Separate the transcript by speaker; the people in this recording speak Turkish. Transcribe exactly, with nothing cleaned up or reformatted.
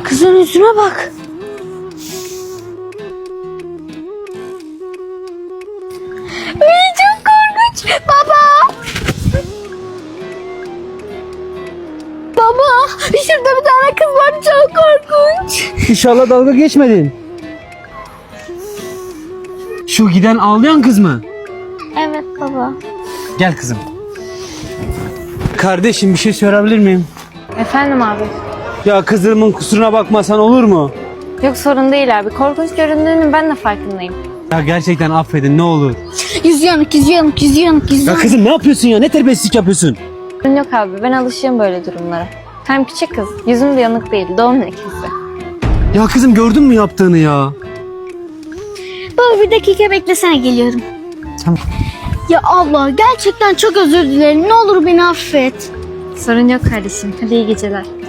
Speaker 1: Kızın yüzüne bak. Ay, çok korkunç. Baba. Baba, şurada bir tane kız var, çok korkunç.
Speaker 2: İnşallah dalga geçmedin. Şu giden ağlayan kız mı?
Speaker 1: Evet baba.
Speaker 2: Gel kızım. Kardeşim bir şey sorabilir miyim?
Speaker 1: Efendim abi.
Speaker 2: Ya kızımın kusuruna bakmasan olur mu?
Speaker 1: Yok, sorun değil abi. Korkunç göründüğünün ben de farkındayım.
Speaker 2: Ya gerçekten affedin ne olur.
Speaker 1: Yüzü yanık, yüzü yanık, yüzü yanık, yüzü
Speaker 2: Ya
Speaker 1: yanık.
Speaker 2: kızım ne yapıyorsun ya? Ne terbiyesizlik yapıyorsun?
Speaker 1: Sorun yok abi, ben alışığım böyle durumlara. Hem küçük kız, yüzüm de yanık değil, doğum lekesi.
Speaker 2: Ya kızım gördün mü yaptığını ya?
Speaker 1: Baba bir dakika beklesene, geliyorum.
Speaker 2: Tamam.
Speaker 1: Ya abla, gerçekten çok özür dilerim. Ne olur beni affet. Sorun yok kardeşim. Hadi iyi geceler.